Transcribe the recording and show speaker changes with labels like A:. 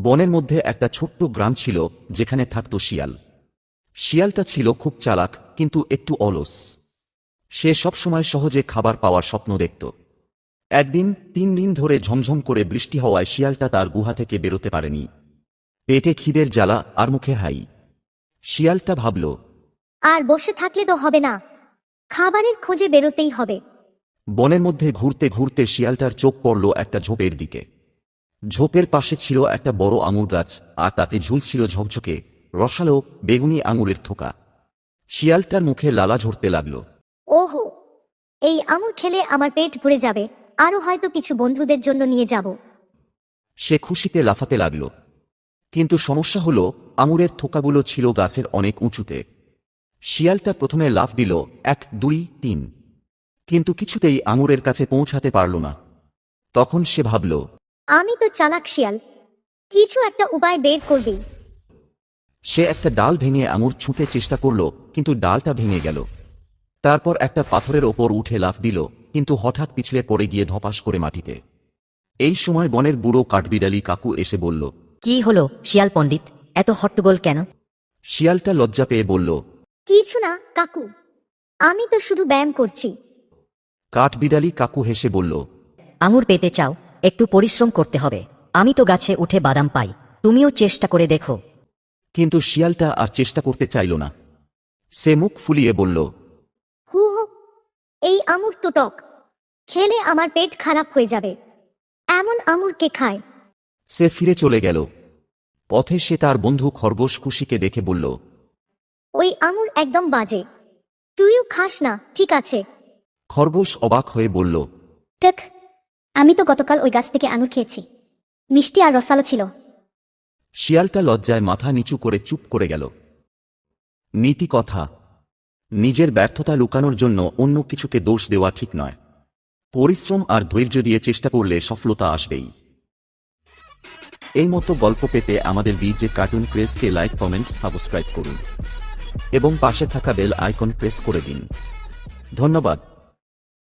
A: বনের মধ্যে একটা ছোট্ট গ্রাম ছিল যেখানে থাকত শিয়াল। শিয়ালটা ছিল খুব চালাক কিন্তু একটু অলস। সে সবসময় সহজে খাবার পাওয়ার স্বপ্ন দেখত। একদিন 3 দিন ধরে ঝমঝম করে বৃষ্টি হওয়ায় শিয়ালটা তার গুহা থেকে বেরোতে পারেনি। পেটে খিদের জ্বালা আর মুখে হাই। শিয়ালটা ভাবল,
B: আর বসে থাকলে তো হবে না, খাবারের খোঁজে বেরোতেই হবে।
A: বনের মধ্যে ঘুরতে ঘুরতে শিয়ালটার চোখ পড়ল একটা ঝোপের দিকে। ঝোপের পাশে ছিল একটা বড় আঙুর গাছ, আর তাতে ঝুলছিল ঝকঝকে রসালো বেগুনি আঙুরের থোকা। শিয়ালটার মুখে লালা ঝরতে লাগল।
B: ওহো, এই আঙুর খেলে আমার পেট ভরে যাবে, আরও হয়তো কিছু বন্ধুদের জন্য নিয়ে যাব।
A: সে খুশিতে লাফাতে লাগল। কিন্তু সমস্যা হলো, আঙুরের থোকাগুলো ছিল গাছের অনেক উঁচুতে। শিয়ালটা প্রথমে লাফ দিল 1 2 3, কিন্তু কিছুতেই আঙুরের কাছে পৌঁছাতে পারল না। তখন সে ভাবল,
B: আমি তো চালাক শিয়াল, কিছু একটা উপায় বের করবি।
A: সে একটা ডাল ভেঙে আঙুর ছুঁতে চেষ্টা করল, কিন্তু ডালটা ভেঙে গেল। তারপর একটা পাথরের ওপর উঠে লাফ দিল, কিন্তু হঠাৎ পিছলে পড়ে গিয়ে ধপাস করে মাটিতে। এই সময় বনের বুড়ো কাঠবিড়ালি কাকু এসে বলল,
C: কি হলো শিয়াল পণ্ডিত, এত হট্টগোল কেন?
A: শিয়ালটা লজ্জা পেয়ে বলল,
B: কিছু না কাকু, আমি তো শুধু ব্যায়াম করছি।
A: কাঠবিড়ালি কাকু হেসে বলল,
C: আঙুর পেতে চাও, একটু পরিশ্রম করতে হবে। আমি তো গাছে উঠে বাদাম পাই, তুমিও চেষ্টা করে দেখো।
A: কিন্তু শিয়ালটা আর চেষ্টা করতে চাইল না। সে মুখ ফুলিয়ে বলল,
B: হু হু, এই আঙুর তো টক, খেলে আমার পেট খারাপ হয়ে যাবে। এমন আঙুর কে খায়?
A: সে ফিরে চলে গেল। পথে সে তার বন্ধু খরগোশ খুশিকে দেখে বলল,
B: ওই আঙুর একদম বাজে, তুইও খাস না, ঠিক আছে?
A: খরগোশ অবাক হয়ে বলল,
B: টেক, আমি তো গতকাল ওই গাছ থেকে আঙুর খেয়েছি, মিষ্টি আর রসালো ছিল।
A: শিয়ালটা লজ্জায় মাথা নিচু করে চুপ করে গেল। নীতি কথা, নিজের ব্যর্থতা লুকানোর জন্য অন্য কিছুকে দোষ দেওয়া ঠিক নয়। পরিশ্রম আর ধৈর্য দিয়ে চেষ্টা করলে সফলতা আসবেই। এই মতো গল্প পেতে আমাদের বিজে কার্টুন প্রেসকে লাইক, কমেন্ট, সাবস্ক্রাইব করুন এবং পাশে থাকা বেল আইকন প্রেস করে দিন। ধন্যবাদ।